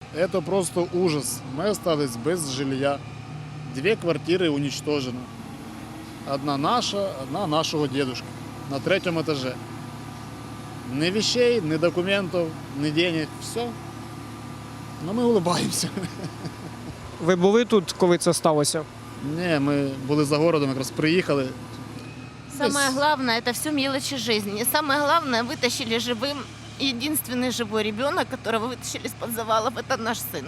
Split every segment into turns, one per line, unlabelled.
Это просто ужас. Мы остались без жилья. 2 квартиры уничтожены. Одна наша, одна нашего дедушки. На 3-м этаже. Ни вещей, ни документов, ни денег. Все. Но ми улыбаємося.
Ви були тут, коли це сталося?
Ні, ми були за городом, якраз приїхали.
Самое главное, это все мелочи жизни. Самое главное, вытащили живым. Единственный живой ребенок, которого вытащили из-под завалов, это наш сын.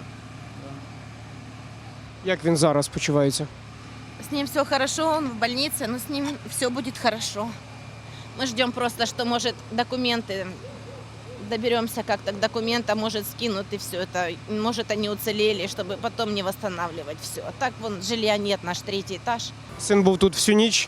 Як він зараз почувається?
С ним все хорошо, он в больнице, но с ним все будет хорошо. Мы ждем просто, что, может, документы, доберемся как-то к документам, может, скинут и все это. Может, они уцелели, чтобы потом не восстанавливать все. А так, вон, жилья нет, наш 3-й этаж.
Син був тут всю ніч.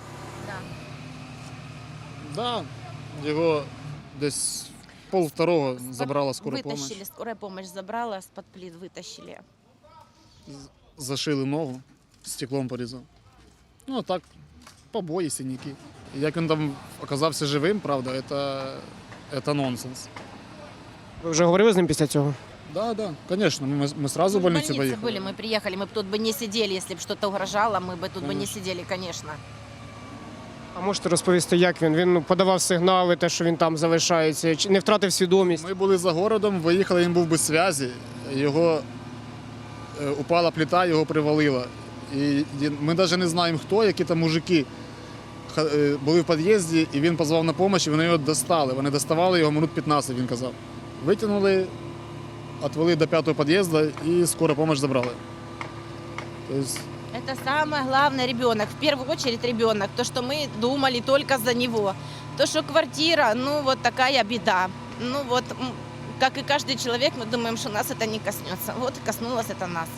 Да, його десь 1:30 забрала скора
Вытащили,
помощь.
скорая помощь забрала, с-под плит вытащили.
Зашили ногу, стеклом порізав. Ну, а так, побої, синяки. Як він там оказався живим, правда, це нонсенс.
Ви вже говорили з ним після цього?
Да, да, конечно, мы сразу в
Мы
больницу
в больнице
поехали.
были, мы приехали, мы бы тут бы не сидели, если бы что-то угрожало, мы бы тут бы не сидели, конечно.
А можете розповісти, як він? Він подавав сигнали, те, що він там залишається, чи не втратив свідомість?
Ми були за городом, виїхали, він був без зв'язі, його упала плита, його привалило. І ми навіть не знаємо хто, які там мужики були в під'їзді, і він позвав на допомогу, і вони його достали. Вони доставали його минут 15, він казав. Витягнули, відвели до 5-го під'їзду і скору допомогу забрали. Тобто,
Это самое главное ребенок, в первую очередь ребенок, то, что мы думали только за него. То, что квартира, ну вот такая беда. Ну вот, как и каждый человек, мы думаем, что нас это не коснется. Вот коснулось это нас.